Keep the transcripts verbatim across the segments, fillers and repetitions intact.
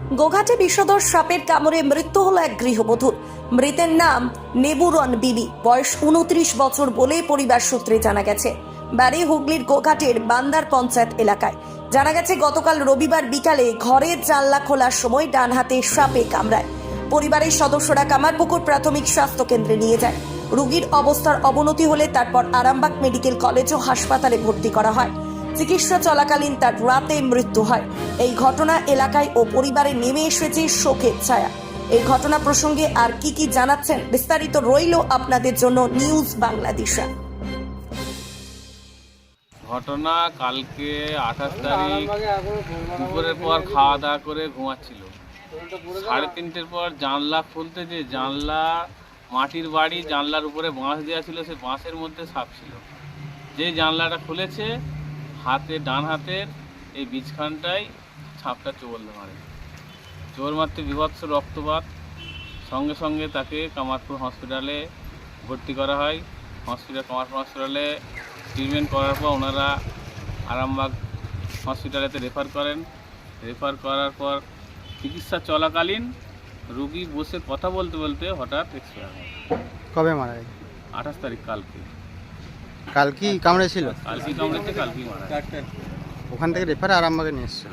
গোঘাটে বিষধর সাপের কামড়ে মৃত্যু হলো এক গৃহবধূর। মৃতের নাম নেবুরন বিবি, বয়স উনত্রিশ বছর বলে পরিবার সূত্রে জানা গেছে। বাড়ি হুগলির গোঘাটের বান্দার পঞ্চায়েত এলাকায়। জানা গেছে গতকাল রবিবার বিকালে ঘরের জানলা খোলার সময় ডান হাতে সাপে কামড়ায়। পরিবারের সদস্যরা কামারপুকুর প্রাথমিক স্বাস্থ্য কেন্দ্রে নিয়ে যায়। রোগীর অবস্থার অবনতি হলে তারপর আরামবাগ মেডিকেল কলেজ ও হাসপাতালে ভর্তি করা হয়। চিকিৎসা চলাকালীন তার রাতে মৃত্যু হয়। এই ঘটনা এলাকায় ও পরিবারে নেমে এসেছে শোকের ছায়া। এই ঘটনা প্রসঙ্গে আর কি কি জানাচ্ছেন বিস্তারিত রইল আপনাদের জন্য নিউজ বাংলাদেশা। ঘটনা কালকে আঠাশ তারিখ দুপুরের পর খাওয়া দাওয়া করে ঘুমাচ্ছিল। সাড়ে তিনটের পর জানলা খুলতে, যে জানলা মাটির বাড়ি, জানলার উপরে বাঁশ দেওয়া ছিল, সে বাঁশের মধ্যে সাপ ছিল। যে জানলাটা খুলেছে, হাতে ডান হাতের এই বীজখানটায় সাপটা চোর মারে। চোর মারতে বিভৎস রক্তপাত। সঙ্গে সঙ্গে তাকে কামারপুর হসপিটালে ভর্তি করা হয়। হসপিটাল কামারপুর হসপিটালে ট্রিটমেন্ট করার পর ওনারা আরামবাগ হসপিটালেতে রেফার করেন। রেফার করার পর চিকিৎসা চলাকালীন রোগী বসে কথা বলতে বলতে হঠাৎ এক্সপায়ার হয়। কবে মারা গেছে? আঠাশ তারিখ কালকে। কালকেই কামড়েছিল? কালকেই কামড়েছে, কালকেই মারা গেছে। ওখান থেকে রেফারে আরামবাগে নিয়ে এসছে।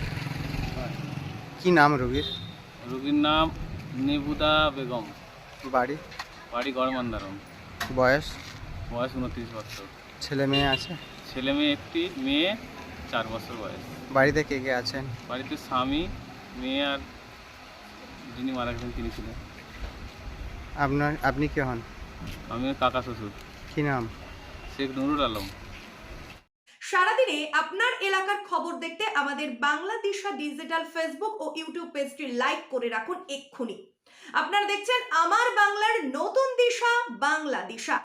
কি নাম রোগীর? রোগীর নাম নেবুদা বেগম। বাড়ি? বাড়ি গড়মান্দারম। বয়স? বয়স উনত্রিশ বছর। ছেলে মেয়ে আছে? ছেলে মেয়ে একটি, মেয়ে চার বছর বয়স। বাড়িতে কে কে আছেন? বাড়িতে স্বামী, মেয়ে আর যিনি মারা গেছেন তিনি ছিলেন। আপনার আপনি কে হন? আমি কাকা শ্বশুর। কি নাম? শেখ নুরুল আলম। সারাদিনে আপনার এলাকার খবর দেখতে আমাদের বাংলাদেশা ডিজিটাল ফেসবুক ও ইউটিউব পেজটি লাইক করে রাখুন এক্ষুনি। আপনারা দেখছেন আমার বাংলার নতুন দিশা, বাংলাদেশা।